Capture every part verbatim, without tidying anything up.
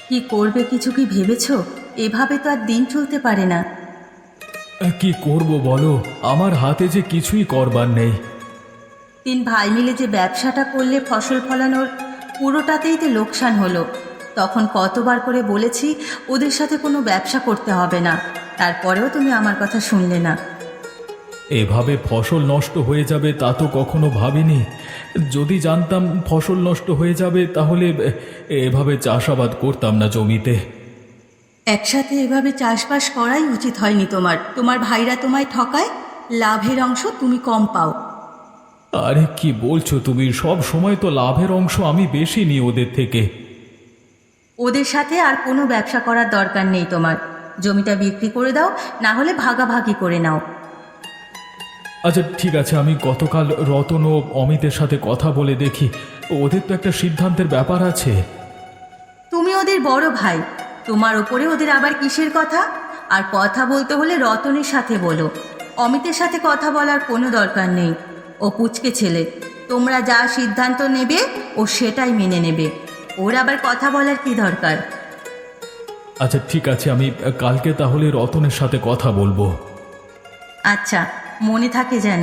কি করবে কিছু কি ভেবেছো? এভাবে তো আর দিন চলতে পারে না। কি করব বলো, আমার হাতে যে কিছুই করবার নেই। তিন ভাই মিলে যে ব্যবসাটা করলে ফসল ফলানোর, পুরোটাতেই তো লোকসান হলো। তখন কতবার করে বলেছি ওদের সাথে কোনো ব্যবসা করতে হবে না, তারপরেও তুমি আমার কথা শুনলে না। এভাবে ফসল নষ্ট হয়ে যাবে তা তো কখনো ভাবিনি। যদি জানতাম ফসল নষ্ট হয়ে যাবে তাহলে এভাবে চাষাবাদ করতাম না জমিতে। একসাথে এভাবে চাষবাস করাই উচিত হয়নি তোমার। তোমার ভাইরা তোমায় ঠকায়, লাভের অংশ তুমি কম পাও। আরে কি বলছো তুমি? সব সময় তো লাভের অংশ আমি বেশি নিই ওদের থেকে। ওদের সাথে আর কোনো ব্যবসা করার দরকার নেই তোমার। জমিটা বিক্রি করে দাও, না হলে ভাগাভাগি করে নাও। আচ্ছা ঠিক আছে, আমি গতকাল রতন ও অমিতের সাথে কথা বলে দেখি। ওদের তো একটা সিদ্ধান্তের ব্যাপার আছে। তুমি ওদের বড় ভাই, তোমার ওপরে ওদের আবার কিসের কথা? আর কথা বলতে হলে রতনের সাথে বলো, অমিতের সাথে কথা বলার কোনো দরকার নেই। ও পুচকে ছেলে, তোমরা যা সিদ্ধান্ত নেবে ও সেটাই মেনে নেবে। ওর আবার কথা বলার কি দরকার? আচ্ছা ঠিক আছে, আমি কালকে তাহলে রতনের সাথে কথা বলবো। আচ্ছা, মনে থাকে যেন।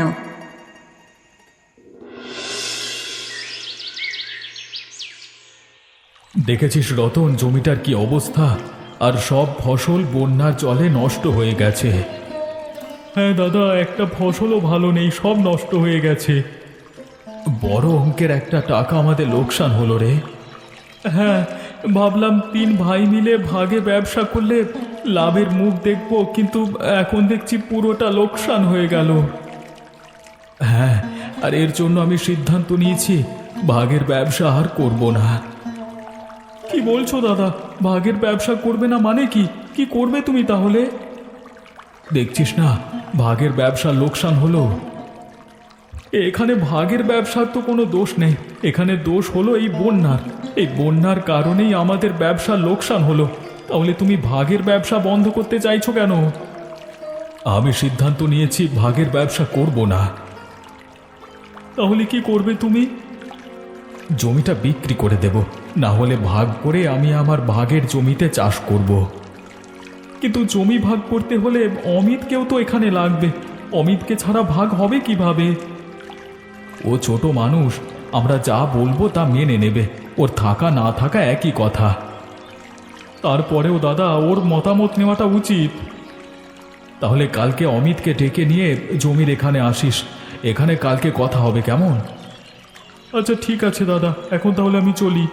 দেখেছিস রতন, জমিটার কি অবস্থা? আর সব ফসল বন্যার জলে নষ্ট হয়ে গেছে। হ্যাঁ দাদা, একটা ফসলও ভালো নেই, সব নষ্ট হয়ে গেছে। বড় অঙ্কের একটা টাকা আমাদের লোকসান হলো রে। হ্যাঁ, ভাবলাম তিন ভাই মিলে ভাগে ব্যবসা করলে লাভের মুখ দেখব, কিন্তু এখন দেখছি পুরোটা লোকসান হয়ে গেল। হ্যাঁ, আর এর জন্য আমি সিদ্ধান্ত নিয়েছি ভাগের ব্যবসা আর করব না। কি বলছো দাদা? ভাগের ব্যবসা করবে না মানে কি? কি করবে তুমি তাহলে? দেখছিস না ভাগের ব্যবসা লোকসান হলো। এখানে ভাগের ব্যবসার তো কোনো দোষ নেই, এখানে দোষ হলো এই বন্যার। এই বন্যার কারণেই আমাদের ব্যবসা লোকসান হলো। তাহলে তুমি ভাগের ব্যবসা বন্ধ করতে চাইছো কেন? আমি সিদ্ধান্ত নিয়েছি ভাগের ব্যবসা করব না। তাহলে কি করবে তুমি? জমিটা বিক্রি করে দেব, না হলে ভাগ করে আমি আমার ভাগের জমিতে চাষ করব। কিন্তু জমি ভাগ করতে হলে অমিতকেও তো এখানে লাগবে। অমিতকে ছাড়া ভাগ হবে কিভাবে? ও ছোট মানুষ, আমরা যা বলবো তা মেনে নেবে। ওর থাকা না থাকা একই কথা। তারপরেও দাদা, ওর মতামত নেওয়াটা উচিত। তাহলে কালকে অমিতকে ডেকে নিয়ে জমির এখানে আসিস, এখানে কালকে কথা হবে, কেমন? আচ্ছা ঠিক আছে দাদা, এখন তাহলে আমি চলি।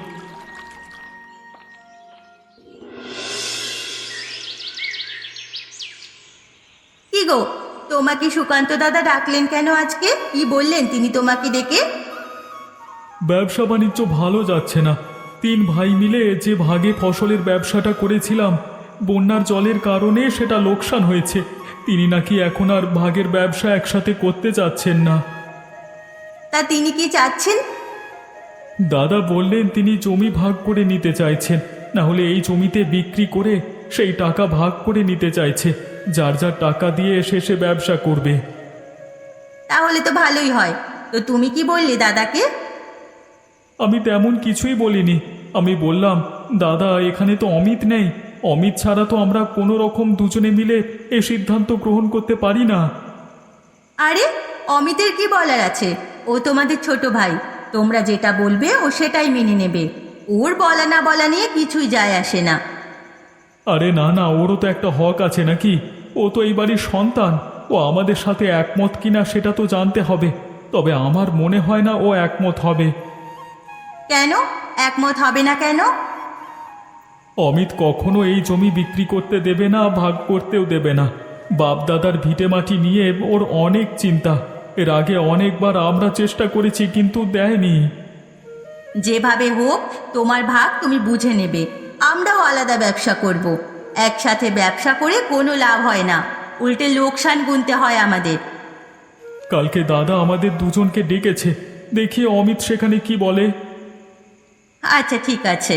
কি গো, তোমাকে সুকান্ত দাদা ডাকলেন কেন আজকে? কি বললেন তিনি তোমাকে ডেকে? ব্যবসা বাণিজ্য ভালো যাচ্ছে না। তিন ভাই মিলে যে ভাগে ফসলের ব্যবসাটা করেছিলাম, বন্যার জলের কারণে সেটা লোকসান হয়েছে। তিনি নাকি এখন আর ভাগের ব্যবসা একসাথে করতে চাচ্ছেন না। তা তিনি কি চাচ্ছেন? দাদা বললেন তিনি জমি ভাগ করে নিতে চাইছেন, না হলে এই জমিতে বিক্রি করে সেই টাকা ভাগ করে নিতে চাইছে। যার যার টাকা দিয়ে শেষে ব্যবসা করবে। তাহলে তো ভালোই হয়। তো তুমি কি বললে দাদাকে? আমি তেমন কিছুই বলিনি। আমি বললাম, দাদা এখানে তো অমিত নেই, অমিত ছাড়া তো আমরা কোনো রকম দুজনে মিলে এ সিদ্ধান্ত গ্রহণ করতে পারি না। আরে, অমিতের কি বলার আছে? ও তোমাদের ছোট ভাই, তোমরা যেটা বলবে ও সেটাই মেনে নেবে। ওর বলা না বলা নিয়ে কিছুই যায় আসে না। আরে না না, ওরও তো একটা হক আছে নাকি? ও তো এই বাড়ির সন্তান। ও আমাদের সাথে একমত কিনা সেটা তো জানতে হবে। তবে আমার মনে হয় না ও একমত হবে। কেন একমত হবে না কেন? অমিত কখনো এই জমি বিক্রি করতে দেবে না, ভাগ করতেও দেবে না। বাপদাদার ভিটে মাটি নিয়ে ওর অনেক চিন্তা। এর আগে অনেকবার আমরা চেষ্টা করেছি, কিন্তু দেয়নি। যেভাবে হোক তোমার ভাগ তুমি বুঝে নেবে। আমরাও আলাদা ব্যবসা করব। একসাথে ব্যবসা করে কোনো লাভ হয় না, উল্টে লোকসান গুনতে হয় আমাদের। কালকে দাদা আমাদের দুজনকে ডেকেছে, দেখি অমিত সেখানে কি বলে। আচ্ছা ঠিক আছে।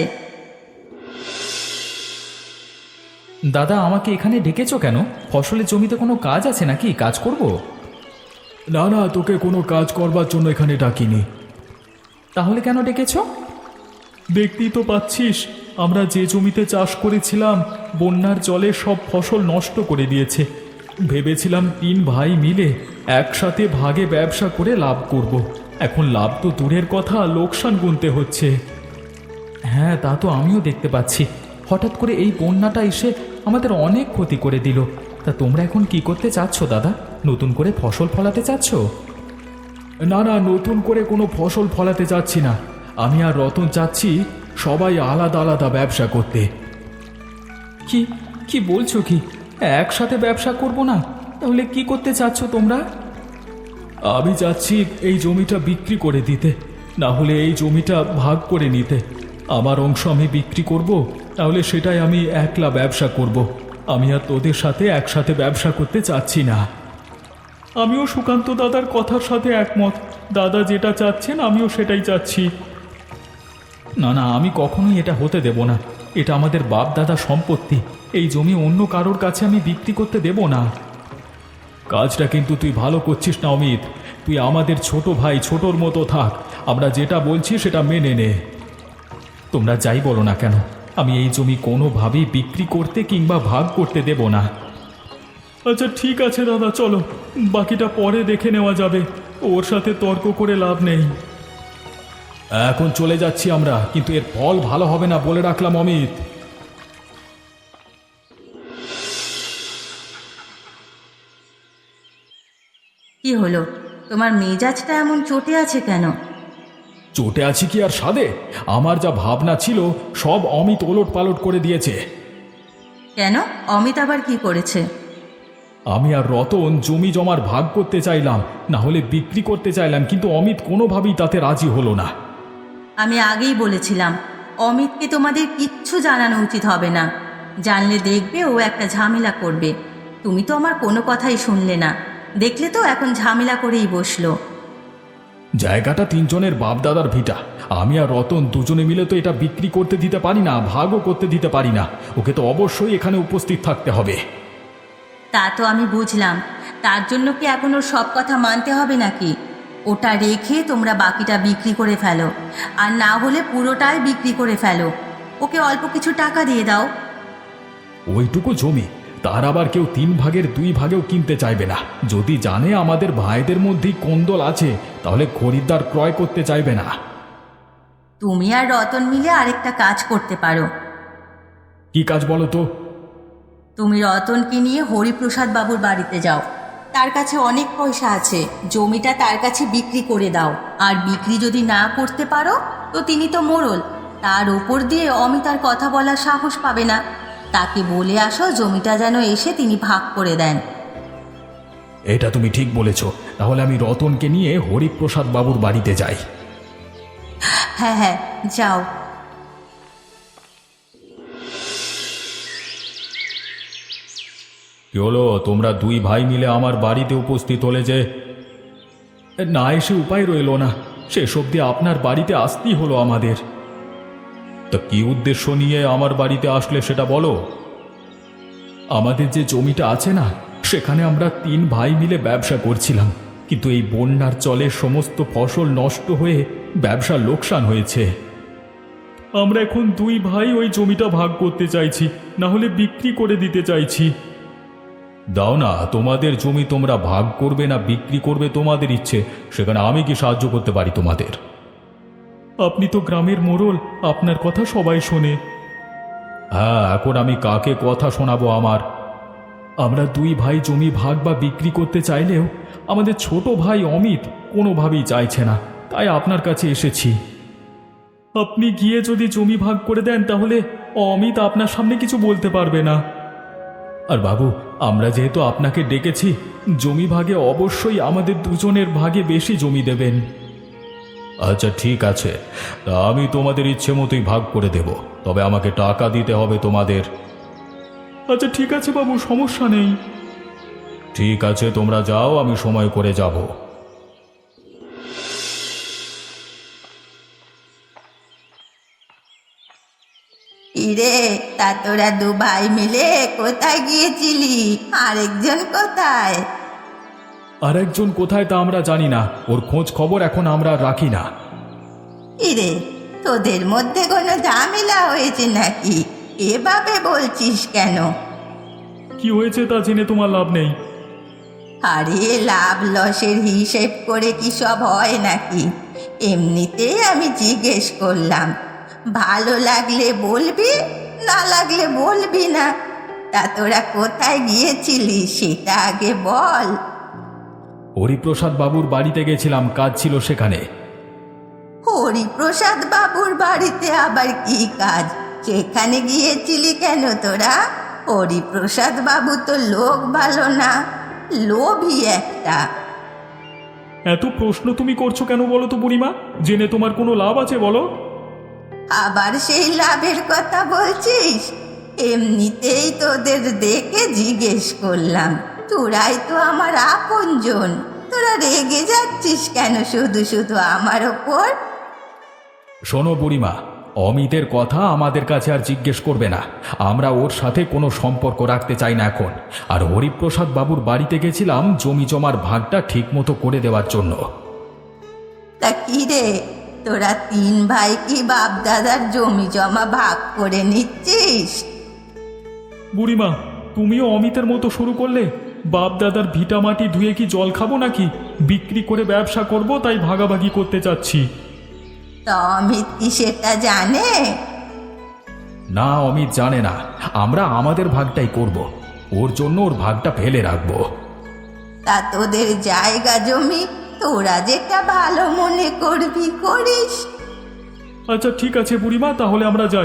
দাদা, আমাকে এখানে ডেকেছো কেন? ফসলের জমিতে কোনো কাজ আছে নাকি? কাজ করব? না না, তোকে কোনো কাজ করবার জন্য এখানে ডাকিনি। তাহলে কেন ডেকেছো? দেখতেই তো পাচ্ছিস আমরা যে জমিতে চাষ করেছিলাম বন্যার জলে সব ফসল নষ্ট করে দিয়েছে। ভেবেছিলাম তিন ভাই মিলে একসাথে ভাগে ব্যবসা করে লাভ করব। এখন লাভ তো দূরের কথা, লোকসান গুনতে হচ্ছে। হ্যাঁ, তা তো আমিও দেখতে পাচ্ছি। হঠাৎ করে এই বন্যাটা এসে আমাদের অনেক ক্ষতি করে দিল। তা তোমরা এখন কি করতে চাচ্ছ দাদা? নতুন করে ফসল ফলাতে চাচ্ছ? না না, নতুন করে কোনো ফসল ফলাতে চাচ্ছি না। আমি আর রতন চাচ্ছি সবাই আলাদা আলাদা ব্যবসা করতে। কি কি বলছো কি? একসাথে ব্যবসা করব না? তাহলে কি করতে চাচ্ছ তোমরা? আমি চাচ্ছি এই জমিটা বিক্রি করে দিতে, না হলে এই জমিটা ভাগ করে নিতে। আমার অংশ আমি বিক্রি করব, তাহলে সেটাই আমি একলা ব্যবসা করব। আমি আর তোদের সাথে একসাথে ব্যবসা করতে চাচ্ছি না। আমিও সুকান্ত দাদার কথার সাথে একমত। দাদা যেটা চাচ্ছেন আমিও সেটাই চাচ্ছি। না না, আমি কখনোই এটা হতে দেব না। এটা আমাদের বাপ দাদা সম্পত্তি। এই জমি অন্য কারোর কাছে আমি বিক্রি করতে দেব না। কাজটা কিন্তু তুই ভালো করছিস না অমিত। তুই আমাদের ছোট ভাই, ছোটর মতো থাক। আমরা যেটা বলছি সেটা মেনে নে। তোমরা যাই বলো না কেন, আমি এই জমি কোনোভাবেই বিক্রি করতে কিংবা ভাগ করতে দেব না। আচ্ছা ঠিক আছে দাদা, চলো, বাকিটা পরে দেখে নেওয়া যাবে। ওর সাথে তর্ক করে লাভ নেই। এখন চলে যাচ্ছি আমরা, কিন্তু এর ফল ভালো হবে না বলে রাখলাম অমিত। কি হলো, তোমার মেজাজটা এমন চটে আছে কেন? চটে আছি কি আর সাধে? আমার যা ভাবনা ছিল সব অমিত ওলট পালট করে দিয়েছে। কেন? অমিত আবার কি করেছে? আমি আর রতন জমি জমার ভাগ করতে চাইলাম, না হলে বিক্রি করতে চাইলাম, কিন্তু অমিত কোনোভাবেই তাতে রাজি হলো না। আমি আগেই বলেছিলাম অমিতকে তোমাদের কিচ্ছু জানানো উচিত হবে না। জানলে দেখবে ও একটা ঝামেলা করবে। তুমি তো আমার কোনো কথাই শুনলে না। দেখলে তো এখন ঝামেলা করেই বসলো। জায়গাটা তিনজনের বাপ দাদার ভিটা। আমি আর রতন দুজনে মিলে তো এটা বিক্রি করতে দিতে পারি না, ভাগও করতে দিতে পারি না। ওকে তো অবশ্যই এখানে উপস্থিত থাকতে হবে। তা তো আমি বুঝলাম। তার জন্য কি এখন ওর সব কথা মানতে হবে নাকি? ওটা রেখে তোমরা বাকিটা বিক্রি করে ফেলো, আর না হলে পুরোটাই বিক্রি করে ফেলো। ওকে অল্প কিছু টাকা দিয়ে দাও। ওইটুকু জমি তার আবার কেউ তিন ভাগের দুই ভাগেও কিনতে চাইবে না। যদি জানে আমাদের ভাইদের মধ্যেই কোন্দল আছে, তাহলে খরিদ্দার ক্রয় করতে চাইবে না। তুমি আর রতন মিলে আরেকটা কাজ করতে পারো। কি কাজ বলো তো? তুমি রতনকে নিয়ে হরিপ্রসাদ বাবুর বাড়িতে যাও। তার কাছে অনেক পয়সা আছে, জমিটা তার কাছে বিক্রি করে দাও। আর বিক্রি যদি না করতে পারো তো তিনি তো মোড়ল, তার ওপর দিয়ে অমিত আর কথা বলার সাহস পাবে না। তাকে বলে আসো জমিটা যেন এসে তিনি ভাগ করে দেন। এটা তুমি ঠিক বলেছ। তাহলে আমি রতনকে নিয়ে হরিপ্রসাদ বাবুর বাড়িতে যাই। হ্যাঁ হ্যাঁ, যাও। কি হলো, তোমরা দুই ভাই মিলে আমার বাড়িতে উপস্থিত হলে যে? না এসে উপায় রইল না, শেষ অবধি আপনার বাড়িতে আসতেই হলো আমাদের। তা কি উদ্দেশ্য নিয়ে আমার বাড়িতে আসলে সেটা বলো। আমাদের যে জমিটা আছে না, সেখানে আমরা তিন ভাই মিলে ব্যবসা করছিলাম, কিন্তু এই বন্যার জলে সমস্ত ফসল নষ্ট হয়ে ব্যবসার লোকসান হয়েছে। আমরা এখন দুই ভাই ওই জমিটা ভাগ করতে চাইছি, না হলে বিক্রি করে দিতে চাইছি। দাও না, তোমাদের জমি তোমরা ভাগ করবে না বিক্রি করবে তোমাদের ইচ্ছে, সেখানে আমি কি সাহায্য করতে পারি তোমাদের? আপনি তো গ্রামের মোড়ল, আপনার কথা সবাই শোনে। হ্যাঁ, এখন আমি কাকে কথা শোনাবো আমার? আমরা দুই ভাই জমি ভাগ বা বিক্রি করতে চাইলেও আমাদের ছোট ভাই অমিত কোনোভাবেই চাইছে না, তাই আপনার কাছে এসেছি। আপনি গিয়ে যদি জমি ভাগ করে দেন তাহলে অমিত আপনার সামনে কিছু বলতে পারবে না। আর বাবু, আমরা যেহেতু আপনাকে ডেকেছি, জমি ভাগে অবশ্যই আমাদের দুজনের ভাগে বেশি জমি দেবেন। আচ্ছা ঠিক আছে, তা আমি তোমাদের ইচ্ছে মতোই ভাগ করে দেব, তবে আমাকে টাকা দিতে হবে তোমাদের। আচ্ছা ঠিক আছে বাবু, সমস্যা নেই। ঠিক আছে, তোমরা যাও, আমি সময় করে যাব। ইরে, তা তোরা দু ভাই মিলে কোথায় গিয়েছিলি? আরেকজন কোথায়? আর একজন কোথায় তা আমরা জানি না, ওর খোঁজ খবর এখন আমরা রাখি না। ইরে, তোদের মধ্যে কোনো ঝামেলা হয়েছে নাকি? এভাবে বলছিস কেন? কি হয়েছে তা জেনে তোমার লাভ নেই। আরে লাভ লসের হিসেব করে কি সব হয় নাকি? এমনিতেই আমি জিজ্ঞেস করলাম। ভালো লাগলে বলবি, না লাগলে বলবি না। তা তোরা কোথায় গিয়েছিলি সেটা আগে বল। হরিপ্রসাদ বাবুর বাড়িতে গেছিলাম, কাজ ছিল সেখানে। হরিপ্রসাদ বাবুর বাড়িতে আবার কি কাজ? সেখানে গিয়েছিলি কেন তোরা? হরিপ্রসাদ বাবু তো লোক ভালো না, লোভী একটা। এত প্রশ্ন তুমি করছো কেন বলো তো বুড়িমা? জেনে তোমার কোনো লাভ আছে বলো? আবার সেই লাভের কথা বলছিস? এমনিতেই তোদের দেখে জিজ্ঞেস করলাম। তোরাই তো আমার আপনজন, তোরা রেগে যাচ্ছিস কেন শুধু শুধু আমার ওপর? শোনো বুড়িমা, অমিতের কথা আমাদের কাছে আর জিজ্ঞেস করবে না। আমরা ওর সাথে কোনো সম্পর্ক রাখতে চাই না এখন। আর হরিপ্রসাদ বাবুর বাড়িতে গেছিলাম জমি জমার ভাগটা ঠিক মতো করে দেওয়ার জন্য। তা কি রে, তোরা তিন ভাই কি বাপ দাদার জমি জমা ভাগ করে নিচ্ছিস? বুড়িমা, তুমিও অমিতের মতো শুরু করলে? বাপ দাদার ভিটা মাটি ধুয়ে কি জল খাবো নাকি? বিক্রি করে ব্যবসা করব, তাই ভাগাভাগি করতে চাচ্ছি। তা অমিত কি সেটা জানে? না, অমিত জানে না। আমরা আমাদের ভাগটাই করব। ওর জন্য ওর ভাগটা ফেলে রাখবো। তা তোদের জায়গা জমি তোরা যেটা ভালো মনে করবি করিস। আচ্ছা ঠিক আছে বুড়িমা, তাহলে আমরা যাই।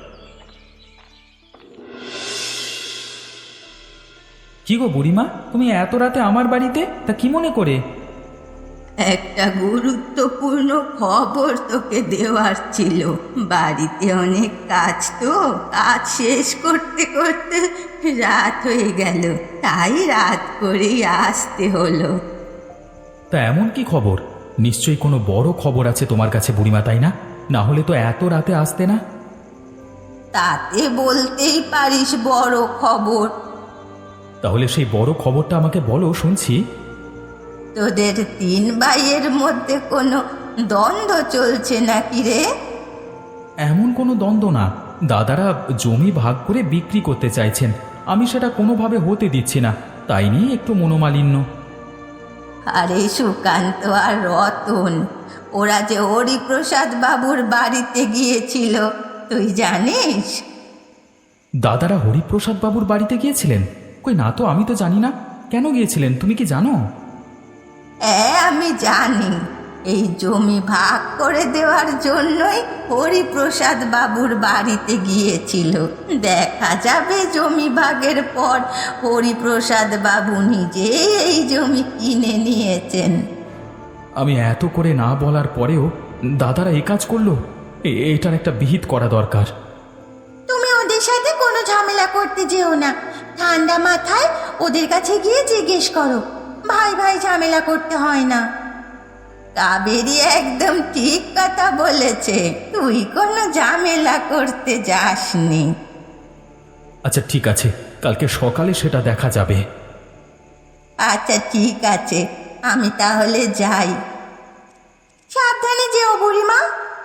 কি গো বুড়িমা, তুমি এত রাতে আমার বাড়িতে? তা কি মনে করে? একটা গুরুত্বপূর্ণ খবর তোকে দেওয়ার ছিল। বাড়িতে অনেক কাজ, তো কাজ শেষ করতে করতে রাত হয়ে গেল, তাই রাত করেই আসতে হলো। তা এমন কি খবর? নিশ্চয়ই কোনো বড় খবর আছে তোমার কাছে বুড়িমা, তাই না? না হলে তো এত রাতে আসতে না। তাতে বলতেই পারিস বড় খবর। তাহলে সেই বড় খবরটা আমাকে বলো, শুনছি। তোদের তিন ভাইয়ের মধ্যে কোনো দ্বন্দ্ব চলছে নাকি রে? এমন কোনো দ্বন্দ্ব না, দাদারা জমি ভাগ করে বিক্রি করতে চাইছেন। আমি সেটা কোনোভাবে হতে দিচ্ছি না, তাই নিয়ে একটু মনোমালিন্য। আরে সুকান্ত আর রতন, ওরা যে হরিপ্রসাদ বাবুর বাড়িতে গিয়েছিল, তুই জানিস? দাদারা হরিপ্রসাদ বাবুর বাড়িতে গিয়েছিলেন? কই না তো, আমি তো জানি না। কেন গিয়েছিলেন তুমি কি জানো? হ্যাঁ আমি জানি। এই জমি ভাগ করে দেওয়ার জন্যই হরিপ্রসাদ বাবুর বাড়িতে গিয়েছিল। দেখা যাবে জমি ভাগের পর হরিপ্রসাদ বাবু নিজেই এই জমি কিনে নিয়েছেন। আমি এত করে না বলার পরেও দাদারা এ কাজ করলো? এ- এটার একটা বিহিত করা দরকার। তুমি ওদের সাথে কোনো ঝামেলা করতে যেও না। ঠান্ডা মাথায় ওদের কাছে গিয়ে জিজ্ঞেস করো। ভাই ভাই ঝামেলা করতে হয় না। কাবেরী একদম ঠিক কথা বলেছে, তুই কোনো ঝামেলা করতে যাসনি। আচ্ছা ঠিক আছে, কালকে সকালে সেটা দেখা যাবে। আচ্ছা ঠিক আছে, আমি তাহলে যাই। সাবধানে যেও বুড়িমা।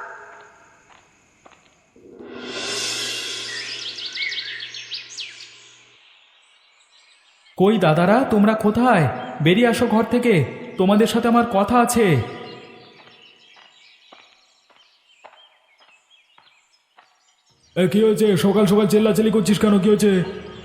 কই দাদারা, তোমরা কোথায়? বেরিয়ে আসো ঘর থেকে, তোমাদের সাথে আমার কথা আছে। এ, কি হয়েছে? সকাল সকাল চেল্লাচেল্লি করছিস কেন? কি হয়েছে?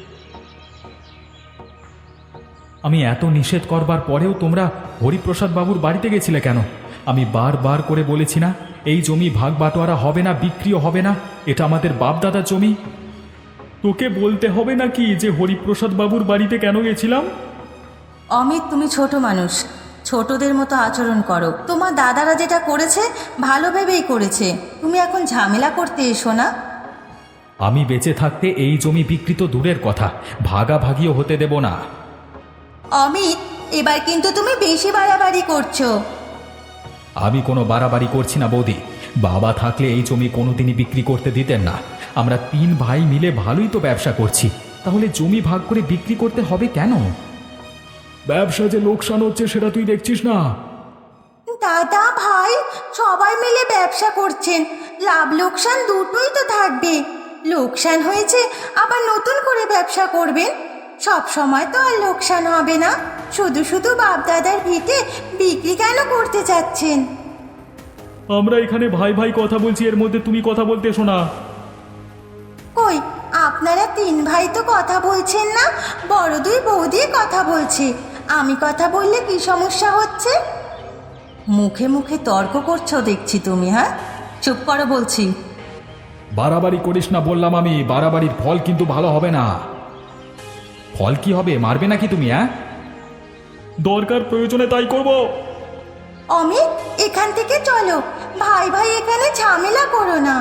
আমি এত নিষেধ করবার পরেও তোমরা হরিপ্রসাদ বাবুর বাড়িতে গেছিলে কেন? আমি বারবার করে বলেছি না, এই জমি ভাগ বাটোয়ারা হবে না, বিক্রিও হবে না। এটা আমাদের বাপ দাদার জমি। তোকে বলতে হবে নাকি যে হরিপ্রসাদ বাবুর বাড়িতে কেন গেছিলাম? অমিত, তুমি ছোট মানুষ, ছোটদের মতো আচরণ করো। তোমার দাদারা যেটা করেছে ভালো ভেবেই করেছে, তুমি এখন ঝামেলা করতে এসো না। আমি বেঁচে থাকতে এই জমি বিক্রি তো দূরের কথা, ভাগাভাগিও হতে দেব না। অমিত, এবার কিন্তু তুমি বেশি বাড়াবাড়ি করছো। আমি কোনো বাড়াবাড়ি করছি না বৌদি। বাবা থাকলে এই জমি কোনোদিনই বিক্রি করতে দিতেন না। আমরা তিন ভাই মিলে ভালোই তো ব্যবসা করছি, তাহলে জমি ভাগ করে বিক্রি করতে হবে কেন? ব্যবসা যে লোকসান হচ্ছে সেটা তুই দেখছিস না? দাদা ভাই সবাই মিলে ব্যবসা করছেন, লাভ লোকসান দুটোই তো থাকবে। লোকসান হয়েছে আবার নতুন করে ব্যবসা করবেন, সব সময় তো আর লোকসান হবে না। শুধু শুধু বাপ দাদার ভিটে বিক্রি কেন করতে চাচ্ছেন? আমরা এখানে ভাই ভাই কথা বলছি, এর মধ্যে তুমি কথা বলতে এসো না। কই, আপনারা তিন ভাই তো কথা বলছেন না, বড় দুই বৌদি কথা বলছে। আমি কথা বললে কি সমস্যা হচ্ছে? মুখে মুখে তর্ক করছো দেখছি তুমি। হ্যাঁ, চুপ করো বলছি। বাড়াবাড়ি করিস না বললাম আমি, বাড়াবাড়ির ফল কিন্তু ভালো হবে না। ফল কি হবে, মারবে নাকি তুমি? হ্যাঁ, দরকার প্রয়োজনে তাই করব। অমিত, এখান থেকে চলো, ভাই ভাই এখানে ঝামেলা করো না।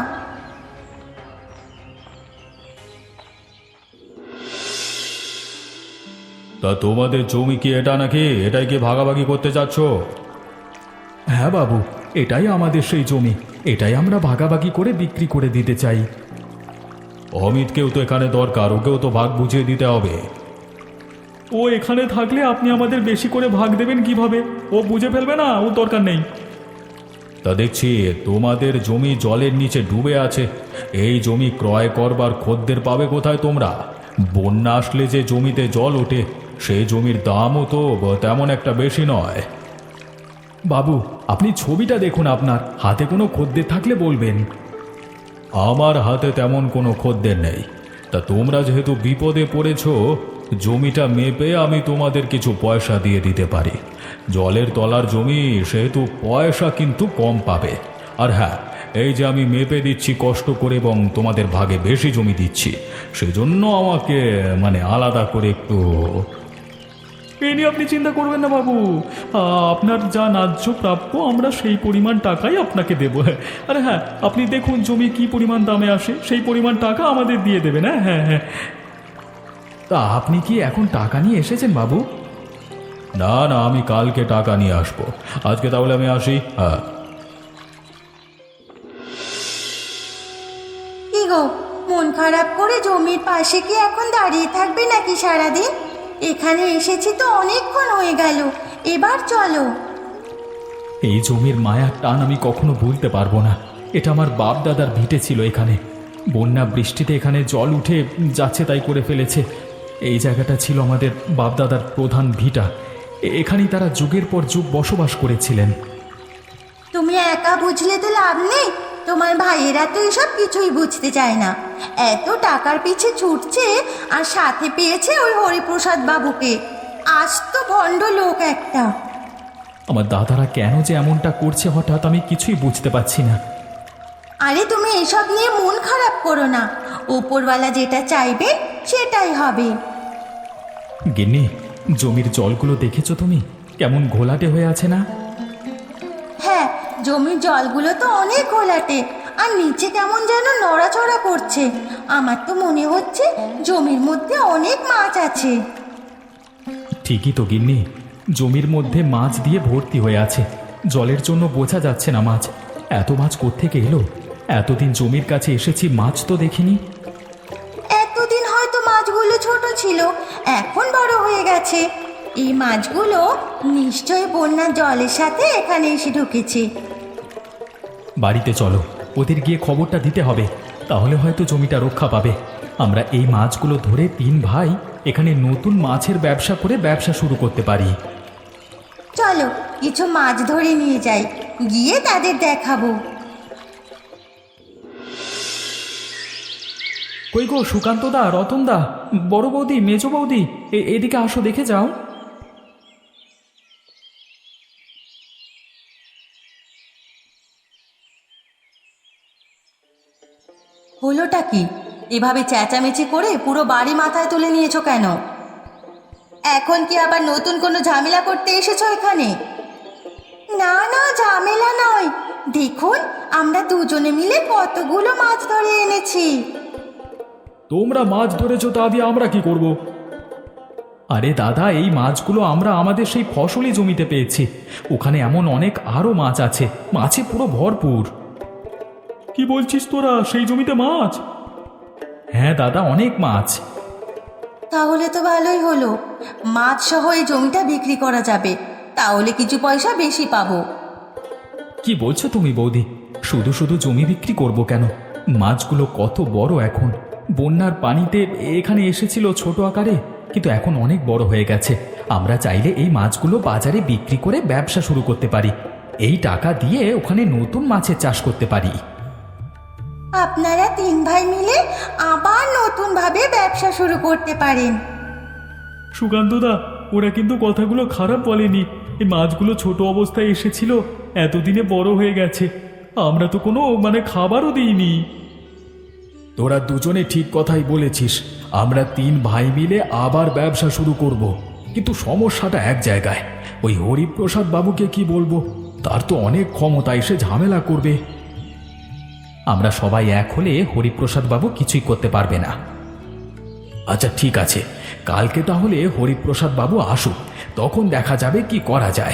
তা তোমাদের জমি কি এটা নাকি? এটাই কি ভাগাভাগি করতে চাচ্ছ? হ্যাঁ বাবু, এটাই আমাদের সেই জমি, এটাই আমরা ভাগাভাগি করে বিক্রি করে দিতে চাই। অমিতকেও তো এখানে দরকার, ওকেও তো ভাগ বুঝিয়ে দিতে হবে। ও এখানে থাকলে আপনি আমাদের বেশি করে ভাগ দেবেন কিভাবে? ও বুঝে ফেলবে না, ও দরকার নেই। তা দেখছি তোমাদের জমি জলের নিচে ডুবে আছে, এই জমি ক্রয় করবার খদ্দের পাবে কোথায় তোমরা? বন্যা আসলে যে জমিতে জল ওঠে সেই জমির দামও তো তেমন একটা বেশি নয়। বাবু, আপনি ছবিটা দেখুন, আপনার হাতে কোনো খদ্দের থাকলে বলবেন। আমার হাতে তেমন কোনো খদ্দের নেই। তা তোমরা যেহেতু বিপদে পড়েছ, জমিটা মেপে আমি তোমাদের কিছু পয়সা দিয়ে দিতে পারি। জলের তলার জমি সেহেতু পয়সা কিন্তু কম পাবে। আর হ্যাঁ, এই যে আমি মেপে দিচ্ছি কষ্ট করে এবং তোমাদের ভাগে বেশি জমি দিচ্ছি, সেজন্য আমাকে মানে আলাদা করে একটু। এ নিয়ে আপনি চিন্তা করবেন না বাবু, আপনার যা ন্যায্য প্রাপ্য আমরা সেই পরিমাণ টাকাই আপনাকে দেবো। আরে হ্যাঁ, আপনি দেখুন জমি কি পরিমাণ দামে আসে, সেই পরিমাণ টাকা আমাদের দিয়ে দেবেন। হ্যাঁ হ্যাঁ হ্যাঁ। তা আপনি কি এখন টাকা নিয়ে এসেছেন বাবু? না না, আমি কালকে টাকা নিয়ে আসবো। আজকে তাহলে আমি আসি। হ্যাঁ। কি গো, মন খারাপ করে জমির পাশে কি এখন দাঁড়িয়ে থাকবে নাকি সারাদিন? এখানে এসেছি তো অনেকক্ষণ হয়ে গেল, এবার চলো। এই জমির মায়ার টান আমি কখনো ভুলতে পারবো না। এটা আমার বাপ দাদার ভিটে ছিল। এখানে বন্যা বৃষ্টিতে এখানে জল উঠে যাচ্ছে তাই করে ফেলেছে। এই জায়গাটা ছিল আমাদের বাপ দাদার প্রধান ভিটা, এ- এখানেই তারা যুগের পর যুগ বসবাস করেছিলেন। তুমি একা বুঝলে তো লাভ নেই, তোমার ভাইয়েরা তো এসব কিছুই বুঝতে চায় না। এত টাকার পিছে ছুটছে আর সাথে পেয়েছে ওই হরিপ্রসাদ বাবুকে। আজ তো ভণ্ড লোক একটা। আমার দাদারা কেন যে এমনটা করছে হঠাৎ আমি কিছুই বুঝতে পারছি না। আরে তুমি এসব নিয়ে মন খারাপ করো না, ওপরওয়ালা যেটা চাইবে সেটাই হবে। গিন্নি, জমির জলগুলো দেখেছো তুমি? কেমন ঘোলাটে হয়ে আছে না? হ্যাঁ, জমির জলগুলো তো অনেক ঘোলাটে, আর নিচে কেমন যেন নড়াচড়া করছে। আমার তো মনে হচ্ছে জমির মধ্যে অনেক মাছ আছে। ঠিকই তো গিন্নি, জমির মধ্যে মাছ দিয়ে ভর্তি হয়ে আছে। জলের জন্য বোঝা যাচ্ছে না মাছ। এত মাছ কোত্থেকে এলো? এতদিন জমির কাছে এসেছি, মাছ তো দেখিনি। এতদিন হয়তো মাছগুলো ছোট ছিল, এখন বড় হয়ে গেছে। এই মাছগুলো নিশ্চয়ই বন্যার জলের সাথে এখানে এসে ঢুকেছে। বাড়িতে চলো, ওদের গিয়ে খবরটা দিতে হবে, তাহলে হয়তো জমিটা রক্ষা পাবে। আমরা এই মাছগুলো ধরে তিন ভাই এখানে নতুন মাছের ব্যবসা করে ব্যবসা শুরু করতে পারি। চলো কিছু মাছ ধরে নিয়ে যাই, গিয়ে তাদের দেখাবো। কই গো সুকান্ত দা, রতন দা, বড় বৌদি, মেজো বৌদি, এ- এদিকে আসো, দেখে যাও। হলোটা কি? এভাবে চেঁচামেচি করে পুরো বাড়ি মাথায় তুলে নিয়েছো কেন? এখন কি আবার নতুন কোনো ঝামেলা করতে এসেছো এখানে? না না, ঝামেলা নয়। দেখুন, আমরা দুজনে মিলে কতগুলো মাছ ধরে এনেছি। তোমরা মাছ ধরেছো, তা দিয়ে আমরা কি করব? আরে দাদা, এই মাছগুলো আমরা আমাদের সেই ফসলি জমিতে পেয়েছি। ওখানে এমন অনেক আরও মাছ আছে, মাছে পুরো ভরপুর। কি বলছিস তোরা? সেই জমিতে মাছ? হ্যাঁ দাদা, অনেক মাছ। তাহলে তো ভালোই হলো, মাছ সহ এই জমিটা বিক্রি করা যাবে, তাহলে কিছু পয়সা বেশি পাবো। কি বলছো তুমি বৌদি? শুধু শুধু জমি বিক্রি করব কেন? মাছগুলো কত বড় এখন! বন্যার পানিতে এখানে এসেছিল ছোট আকারে, কিন্তু এখন অনেক বড় হয়ে গেছে। আমরা চাইলে এই মাছগুলো বাজারে বিক্রি করে ব্যবসা শুরু করতে পারি। এই টাকা দিয়ে ওখানে নতুন মাছের চাষ করতে পারি। আপনারা তিন ভাই মিলে আবার নতুনভাবে ব্যবসা শুরু করতে পারেন। সুকান্তদা, ওরা কিন্তু কথাগুলো খারাপ বলেনি। এই মাছগুলো ছোট অবস্থায় এসেছিল, এতদিনে বড় হয়ে গেছে। আমরা তো কোনো মানে খাবারও দিইনি। তোরা দুজনে ঠিক কথাই বলেছিস। আমরা তিন ভাই মিলে আবার ব্যবসা শুরু করব, কিন্তু সমস্যাটা এক জায়গায়। ওই হরিপ্রসাদ বাবুকে কি বলবো? তার তো অনেক ক্ষমতা, এসে ঝামেলা করবে। আমরা সবাই এক হলে হরিপ্রসাদ বাবু কিছুই করতে পারবে না। আচ্ছা ঠিক আছে, কালকে তাহলে হরিপ্রসাদ বাবু আসুক, তখন দেখা যাবে কি করা যায়।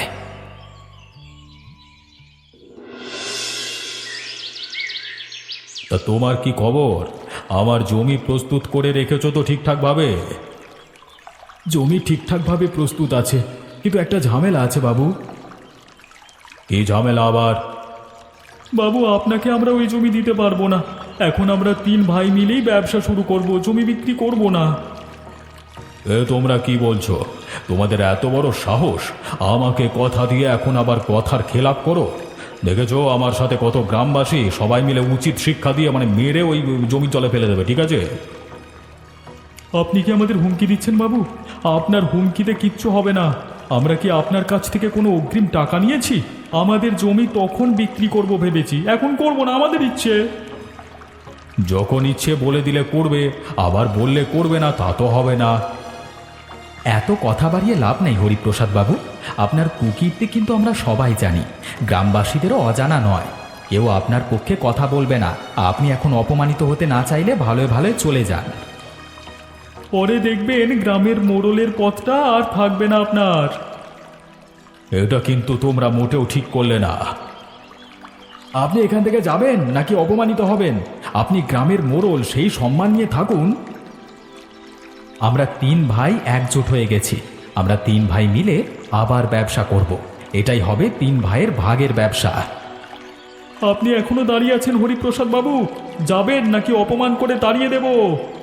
তা তোমার কি খবর? আমার জমি প্রস্তুত করে রেখেছো তো ঠিকঠাক ভাবে? জমি ঠিকঠাকভাবে প্রস্তুত আছে, কিন্তু একটা ঝামেলা আছে বাবু। কি ঝামেলা আবার? বাবু, আপনাকে আমরা ওই জমি দিতে পারবো না। এখন আমরা তিন ভাই মিলেই ব্যবসা শুরু করব, জমি বিক্রি করব না। এ তোমরা কি বলছো? তোমাদের এত বড় সাহস! আমাকে কথা দিয়ে এখন আবার কথার খেলাপ করো? দেখেছো আমার সাথে কত গ্রামবাসী সবাই মিলে উচিত শিক্ষা দিয়ে মানে মেরে ওই জমি জলে ফেলে দেবে, ঠিক আছে? আপনি কি আমাদের হুমকি দিচ্ছেন বাবু? আপনার হুমকিতে কিচ্ছু হবে না। আমরা কি আপনার কাছ থেকে কোনো অগ্রিম টাকা নিয়েছি? আমাদের জমি তখন বিক্রি করব ভেবেছি, এখন করব না, আমাদের ইচ্ছে। যখন ইচ্ছে বলে দিলে করবে, আবার বললে করবে না, তা তো হবে না। এত কথা বাড়িয়ে লাভ নেই হরিপ্রসাদ বাবু। আপনার কুকীর্তি কিন্তু আমরা সবাই জানি, গ্রামবাসীদেরও অজানা নয়। কেউ আপনার পক্ষে কথা বলবে না। আপনি এখন অপমানিত হতে না চাইলে ভালোই ভালোই চলে যান। পরে দেখবেন গ্রামের মোড়লের পথটা আর থাকবে না আপনার। এটা কিন্তু তোমরা মোটেও ঠিক করলে না। আপনি এখান থেকে যাবেন নাকি অপমানিত হবেন? আপনি গ্রামের মোড়ল, সেই সম্মান নিয়ে থাকুন। আমরা তিন ভাই একজোট হয়ে গেছি। আমরা তিন ভাই মিলে আবার ব্যবসা করব। এটাই হবে তিন ভাইয়ের ভাগের ব্যবসা। আপনি এখনো দাঁড়িয়ে আছেন হরিপ্রসাদ বাবু? যাবেন নাকি অপমান করে তাড়িয়ে দেব?